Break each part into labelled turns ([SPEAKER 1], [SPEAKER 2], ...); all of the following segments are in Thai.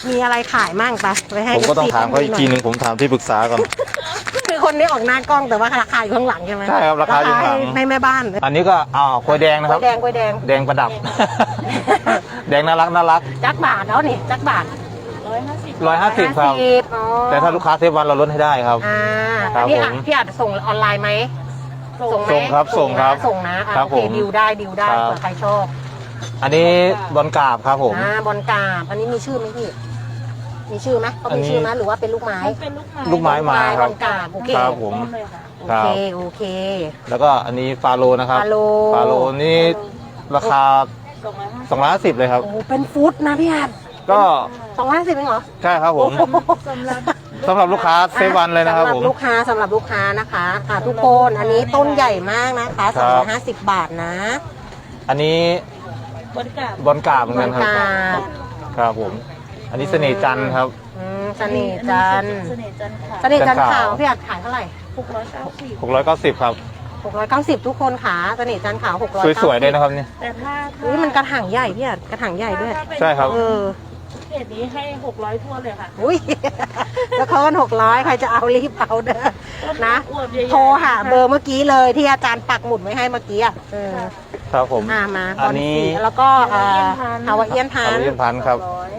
[SPEAKER 1] มีอะไรขายมั่งปะไปให้
[SPEAKER 2] ผมก็ต้องถามเขาอีกทีหนึ่งผมถามที่ปรึกษาก่อน
[SPEAKER 1] คือคนนี้ออกหน้ากล้องแต่ว่าราคาอยู่ข้างหลังใช่ไหม
[SPEAKER 2] ใช่ครับราคาอยู่ข้างหลัง
[SPEAKER 1] ให้แม่บ้าน
[SPEAKER 2] อันนี้ก็กล้วยแดงนะครับ
[SPEAKER 1] กล้วยแดงกล้วยแดง
[SPEAKER 2] แดงประดับ แดงน่ารัก
[SPEAKER 1] จักบาทแล้วนี่จักบาท
[SPEAKER 2] 150ครับ
[SPEAKER 1] อ๋อ
[SPEAKER 2] แต่ถ้าลูกค้าเซฟวันเราลดให้ได้ครับ
[SPEAKER 1] อันนี้
[SPEAKER 2] ผม
[SPEAKER 1] พี่อาจส่งออนไลน์ไหมส่งไหม
[SPEAKER 2] ส่งครับส่งครับ
[SPEAKER 1] ส่งนะโอเค
[SPEAKER 2] ผม
[SPEAKER 1] ดิวได้เผื่อใครชอบ
[SPEAKER 2] อันนี้บอลกราบครับผม
[SPEAKER 1] บอลกาบอันนี้มีชื่อไหมพี่มีชื่อไหมเขา
[SPEAKER 2] อัน
[SPEAKER 1] มี
[SPEAKER 2] นี้
[SPEAKER 1] ชื่อไหมหรือว่าเป็นลูกไม้
[SPEAKER 3] เป็นลูกไม้
[SPEAKER 2] ลูกไม้มาครับ
[SPEAKER 1] บอลกาบโอเค
[SPEAKER 2] ครับผม
[SPEAKER 3] ต้นเลยค่ะ
[SPEAKER 1] โอ
[SPEAKER 2] ครั
[SPEAKER 1] เค
[SPEAKER 2] บ
[SPEAKER 1] โอเค
[SPEAKER 2] แล้วก็อันนี้ฟาโลนะครับ
[SPEAKER 1] ฟาโล
[SPEAKER 2] ฟาโลนี่ราคา 250เลยครับ
[SPEAKER 1] โอ้เป็นฟุตนะพี่อาจ
[SPEAKER 2] ก็
[SPEAKER 1] 250เองเหรอ
[SPEAKER 2] ใช่ครับผม
[SPEAKER 3] สำหรับ
[SPEAKER 2] สำหรับลูกค้าเซฟวันเลยนะครับผม
[SPEAKER 1] สำหรับลูกค้านะคะทุกคนอันนี้ต้นใหญ่มากนะคะ
[SPEAKER 2] ครับ
[SPEAKER 1] 250 บาทนะ
[SPEAKER 2] อันนี้
[SPEAKER 3] บริการ
[SPEAKER 2] บอลกราบเหมือนกันครับ
[SPEAKER 1] บอลกราบ
[SPEAKER 2] ครับผม อันนี้เสน่ห์จันทร์ครับ
[SPEAKER 1] เสน่ห์จันทร์
[SPEAKER 3] เสน่ห์จันทร์ค่ะ
[SPEAKER 1] เสน่ห์จันทร์
[SPEAKER 2] จันทร์
[SPEAKER 1] ขาว
[SPEAKER 2] ขาว
[SPEAKER 1] พี่อาจขายเท่าไหร่
[SPEAKER 3] 690
[SPEAKER 2] 690ครับ
[SPEAKER 1] 690ทุกคนค่ะเสน่ห์จันทร์ขาว690
[SPEAKER 2] สวยๆเลยนะครับเนี่ย
[SPEAKER 3] แต่ถ้า
[SPEAKER 1] นี่มันกระถางใหญ่พี่อาจกระถางใหญ่ด้วย
[SPEAKER 3] ถ้าเป็น
[SPEAKER 2] ใช่ครับ
[SPEAKER 1] เออ
[SPEAKER 3] เพจนี้ให้600ทั่วเลยค่ะ
[SPEAKER 1] อุ้ย แล้วเขากัน600ใครจะเอารีบเอาเด้อนะ
[SPEAKER 3] อวบใหญ่ๆ
[SPEAKER 1] โทรหาเบอร์เมื่อกี้เลยที่อาจารย์ปักหมุดไว้ให้เมื่อกี้อ่ะ
[SPEAKER 2] ครับผม
[SPEAKER 1] มา
[SPEAKER 2] อันนี้
[SPEAKER 1] แล้วก็ฮาวาเอียนพัน
[SPEAKER 2] เรียนพันครับ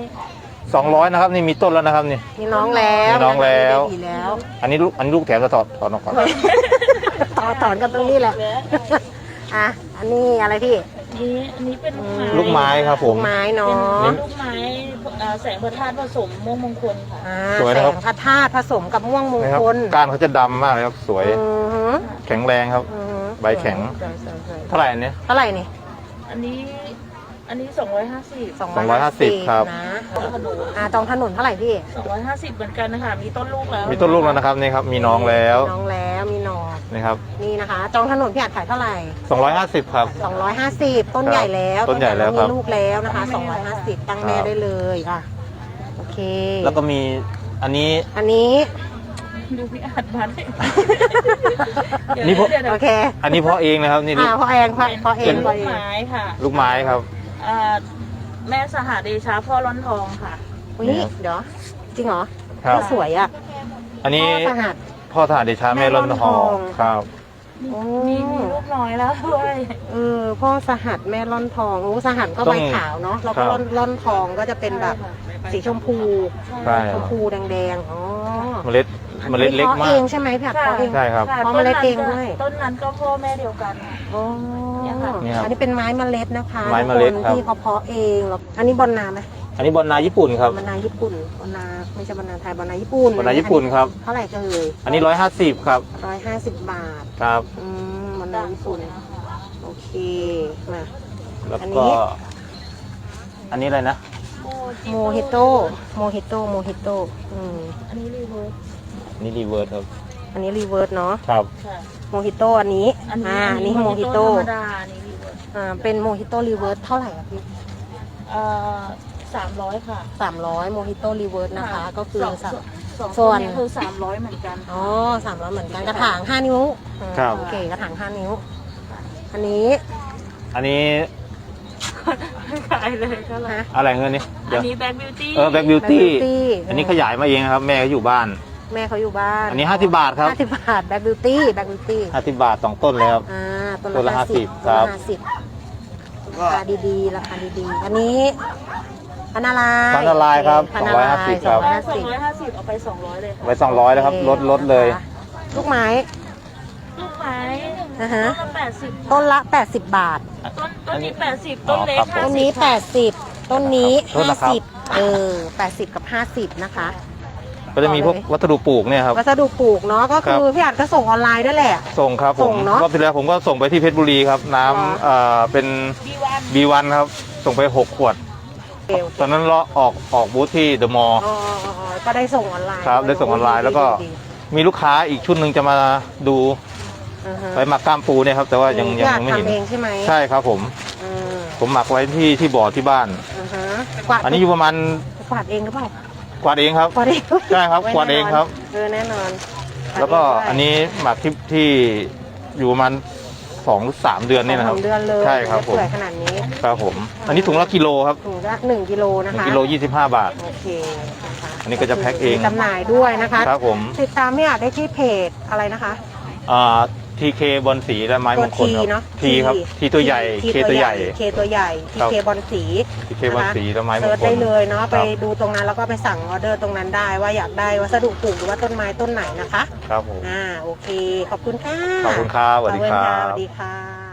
[SPEAKER 3] 200
[SPEAKER 2] 200นะครับนี่มีต้นแล้วนะครับนี่
[SPEAKER 1] มีน้องแล้ว
[SPEAKER 2] มีน้องแล้ว
[SPEAKER 1] มีแล้ว
[SPEAKER 2] อันนี้ลูกแถมจะถอดออกก่อน
[SPEAKER 1] ถอนกันตรงนี้แหละอ่ะอันนี้อะไรพี่
[SPEAKER 3] อันนี้เป็น
[SPEAKER 2] ลูกไม้ครับผ
[SPEAKER 1] ลู
[SPEAKER 2] ม
[SPEAKER 1] กไม้เนาะ
[SPEAKER 3] เป็นลูกไม้แสงพระธาตุผสมม่วงมงคลค่ะ
[SPEAKER 2] สวย
[SPEAKER 1] แส
[SPEAKER 2] นะครับ
[SPEAKER 1] งพระธาตุผสมกับม่วงมง
[SPEAKER 2] นะครับ
[SPEAKER 1] คล
[SPEAKER 2] ก้านเขาจะดำมากเลยครับสวย
[SPEAKER 1] อือหือ
[SPEAKER 2] แข็งแรงครับ
[SPEAKER 1] อือหือ
[SPEAKER 2] ใบแข็ง
[SPEAKER 1] สวยๆ
[SPEAKER 2] เท่าไหร่อันนี้
[SPEAKER 1] ๆเท่าไหร่นี่
[SPEAKER 3] อันนี้250
[SPEAKER 2] 250ครับ
[SPEAKER 1] นะ
[SPEAKER 3] ขนม
[SPEAKER 1] จองถนนเท่าไหร่พี่
[SPEAKER 3] 250เหมือนกันนะคะมีต้นลูกแล้ว
[SPEAKER 2] มีต้นลูกแล้วนะครับนี่ครับมีน้องแล้ว
[SPEAKER 1] น้องแล้วมีหนอ
[SPEAKER 2] นี่ครับ
[SPEAKER 1] นี่นะคะ จองถนนพี่อาจขายเท่าไหร่
[SPEAKER 2] 250ครับ
[SPEAKER 1] 250 ต้นใหญ่แล้ว
[SPEAKER 2] ต้นใหญ่แล้วครับ
[SPEAKER 1] มีลูกแล้วนะคะ 250 ตั้งแม่ได้เลยโอเค
[SPEAKER 2] แล้วก็มีอันนี้
[SPEAKER 1] อันนี้
[SPEAKER 3] ดูพี่อาจมาได้
[SPEAKER 2] นี่พวก
[SPEAKER 3] เดี๋ยว
[SPEAKER 1] โอเค
[SPEAKER 2] อันนี้เพาะเองนะครับนี่ลูก
[SPEAKER 1] พ่อเองพ่อเอ
[SPEAKER 3] เป็
[SPEAKER 1] ง
[SPEAKER 3] นลูกไม้ค่ะ
[SPEAKER 2] ลูกไม้ครับ
[SPEAKER 3] อ่าแม่สหเดชาพ่อร้อนทองค่ะ
[SPEAKER 1] อุ้ยเดี๋ยวจริงเหรอ
[SPEAKER 2] ครับ
[SPEAKER 1] สวยอ่ะ
[SPEAKER 2] อันนี้
[SPEAKER 1] พ่อสหัส
[SPEAKER 2] พ่อทหารเดชาแม่ร่อนทองครับ
[SPEAKER 1] โอ้
[SPEAKER 3] มีลูกน้อยแล้วด้วย
[SPEAKER 1] พ่อสหัสแม่ร่อนทองสหัสก็ใบขาวเนาะแล้วก็ร่อนทองก็จะเป็นแบบสีชมพู
[SPEAKER 2] ใช่
[SPEAKER 1] ชมพูแดงๆ
[SPEAKER 2] เมล็ดเล็ก
[SPEAKER 1] พาะ
[SPEAKER 2] มา
[SPEAKER 1] เอก งใช่ไหมพี่อัดเพาะเอง
[SPEAKER 2] ใช่ครับ
[SPEAKER 3] ค่ะ
[SPEAKER 1] เพราะเมล็ดเองด้วย
[SPEAKER 3] ต้นนั้นก็พ่อแม่เดียวกัน
[SPEAKER 1] อ๋อ
[SPEAKER 3] เนี่ยค่ะ
[SPEAKER 2] นี่ครับ
[SPEAKER 1] อันนี้เป็นไม้เมล็ดนะคะ
[SPEAKER 2] ไม้เมล็ด
[SPEAKER 1] ทุก
[SPEAKER 2] ครับ
[SPEAKER 1] นที่เขาเพาะเองแล้วอันนี้บอนนาไหม
[SPEAKER 2] อันนี้บอลนาญี่ปุ่นครับ
[SPEAKER 1] บอนนาญี่ปุ่นบอนนาไม่ใช่บอนนาไทยบอนนาญี่ปุ่น
[SPEAKER 2] บอลนาญี่ปุ่นครับ
[SPEAKER 1] เท่าไหร่ก็เลย
[SPEAKER 2] อันนี้150ครับ
[SPEAKER 1] 150 บาท
[SPEAKER 2] ครับ
[SPEAKER 1] บอนนาญี่ปุ่นโอเคมา
[SPEAKER 2] แล้ว
[SPEAKER 1] อันนี้
[SPEAKER 2] ก็ อันนี้อะไรนะ
[SPEAKER 1] โมฮิโต
[SPEAKER 3] อันนี้รีเวิร์ส
[SPEAKER 2] นี่รีเวิร์สครับ
[SPEAKER 1] อันนี้รีเวิร์สเนาะ
[SPEAKER 2] ครับ
[SPEAKER 3] ค่ะ
[SPEAKER 1] โมฮิโตอันนี้อันนี้โมฮิโต
[SPEAKER 3] ธรรมดาอันนี้รีเวิร์ส
[SPEAKER 1] เป็นโมฮิโตรีเวิร์สเท่าไหร่อะพี่
[SPEAKER 3] 300 ค่ะ
[SPEAKER 1] 300โมฮิโตรีเวิร์สนะคะ ก็คือ
[SPEAKER 3] สอง
[SPEAKER 1] ส่วน
[SPEAKER 3] นี้คือ300เหมือนกัน
[SPEAKER 1] 300เหมือนกันกระถาง5 นิ้ว
[SPEAKER 2] ครับ
[SPEAKER 1] โอเคกระถาง5 นิ้ว อันนี้
[SPEAKER 2] อันนี้
[SPEAKER 3] ขายเลยเท่าไหร่
[SPEAKER 2] อะไรเงินนี่
[SPEAKER 3] อั
[SPEAKER 2] เดี๋ย
[SPEAKER 3] น
[SPEAKER 2] ว
[SPEAKER 3] นี้แบ็กบิวตี้
[SPEAKER 2] แบ็กบิวตี้
[SPEAKER 1] Beauty
[SPEAKER 2] อันนี้ขยายมาเองครับ แม่เขาอยู่บ้าน
[SPEAKER 1] แม่เขาอยู่บ้าน
[SPEAKER 2] อันนี้50 บาทครับ
[SPEAKER 1] 50 บาทแบ็กบิวตี้
[SPEAKER 2] 50 บาท2ต้นเลยครับ
[SPEAKER 1] ต้น
[SPEAKER 2] ต้น
[SPEAKER 1] ละ
[SPEAKER 2] ละ
[SPEAKER 1] 50
[SPEAKER 2] 50ครับ
[SPEAKER 1] ราคาดีๆราคาดีๆอันนี้พันนาลาย
[SPEAKER 2] พันนาลายครับ
[SPEAKER 1] พันนาลาย
[SPEAKER 2] 250ครับ
[SPEAKER 3] 250เอาไป200เลยค่ะ
[SPEAKER 2] ไว้200แล้วครับลดเลย
[SPEAKER 1] ลูกไม้
[SPEAKER 3] ลูกไม้
[SPEAKER 1] ต้นละ80 บาท
[SPEAKER 3] ต้นนี้80ต้นเล็ก
[SPEAKER 2] ครับผม
[SPEAKER 1] ต้นนี้ 80 ต้นนี้
[SPEAKER 2] โทษนะครับ
[SPEAKER 1] 50 80 กับ 50 นะคะ
[SPEAKER 2] ก็จะมีพวกวัสดุปลูกเนี่ยครับ
[SPEAKER 1] วัสดุปลูกเนาะก็คือ
[SPEAKER 2] ครับ
[SPEAKER 1] พี่อัดก็ส่งออนไลน์ด้วยแหละ
[SPEAKER 2] ส่งครับผ
[SPEAKER 1] ส่
[SPEAKER 2] ม
[SPEAKER 1] งเนอะ
[SPEAKER 2] รอบที่แล้วผมก็ส่งไปที่เพชรบุรีครับ น้
[SPEAKER 1] อ๋อ
[SPEAKER 2] ำเป็น
[SPEAKER 3] B1
[SPEAKER 2] B1 ครับ ส่งไป 6 ขวด ตอนนั้นเราออกบูธที่เดอะมอลล์
[SPEAKER 1] ก็ได้ส่งออนไลน์
[SPEAKER 2] ครับได้ส่งออนไลน์แล้วก็
[SPEAKER 1] ดี
[SPEAKER 2] มีลูกค้าอีกชุดหนึ่งจะมาดู
[SPEAKER 1] อือฮะ
[SPEAKER 2] ไปหมักกล้ามปูเนี่ยครับ แต่ว่ายัง
[SPEAKER 1] พี่อัด
[SPEAKER 2] ไม่เห็น
[SPEAKER 1] ทำเองใช่ไหม
[SPEAKER 2] ใช่ครับผม
[SPEAKER 1] อืม
[SPEAKER 2] ผมหมักไว้ที่บ่อที่บ้าน
[SPEAKER 1] อือฮะกวาด
[SPEAKER 2] อันนี้อยู่ประมาณ
[SPEAKER 1] กวาดเองหรือเปล่าก
[SPEAKER 2] วาดเองครับ
[SPEAKER 1] กวาดเอง
[SPEAKER 2] ใช่ครับกวาดเองครับ
[SPEAKER 1] แน่นอน
[SPEAKER 2] แล้วก็อันนี้หมักที่อยู่ประมาณ 2 หรือ 3 เดือนนี่นะครับ
[SPEAKER 1] 2 เดือนเลย
[SPEAKER 2] ใช่ครับผม
[SPEAKER 1] เปื่อยขนาดนี้
[SPEAKER 2] ครับผม อันนี้ถุงละกิโลครับ
[SPEAKER 1] ถุงละ1 กิโลนะคะ
[SPEAKER 2] 1 กิโล 25 บาท
[SPEAKER 1] โอเคนะคะ
[SPEAKER 2] อันนี้ก็จะแพ็คเอง
[SPEAKER 1] มีจำหน่ายด้วยนะคะ
[SPEAKER 2] ครับผม
[SPEAKER 1] ติดตามพี่อาจได้ที่เพจอะไรนะคะ
[SPEAKER 2] ทีเคบอลสีและไม้มงคล
[SPEAKER 1] ที
[SPEAKER 2] ครับ
[SPEAKER 1] เนาะ
[SPEAKER 2] ทีครับทีตัวใหญ่เคตัวใหญ่
[SPEAKER 1] เคตัวใหญ่ที
[SPEAKER 2] ครับ
[SPEAKER 1] เคบอลสี
[SPEAKER 2] ทีเคบอลสีและไม้มง
[SPEAKER 1] เซิร์ช
[SPEAKER 2] คล
[SPEAKER 1] ได้เลยเนาะ
[SPEAKER 2] ครับ
[SPEAKER 1] ไปดูตรงนั้นแล้วก็ไปสั่งออเดอร์ตรงนั้นได้ว่าอยากได้วัสดุปลูกหรือว่าต้นไม้ต้นไหนนะคะ
[SPEAKER 2] ครับผม
[SPEAKER 1] โอเคขอบคุณค่ะ
[SPEAKER 2] ขอบคุณครับสวัสดีครั
[SPEAKER 1] ขอบคุณค่ะส
[SPEAKER 2] บ
[SPEAKER 1] วัสดีค่ะ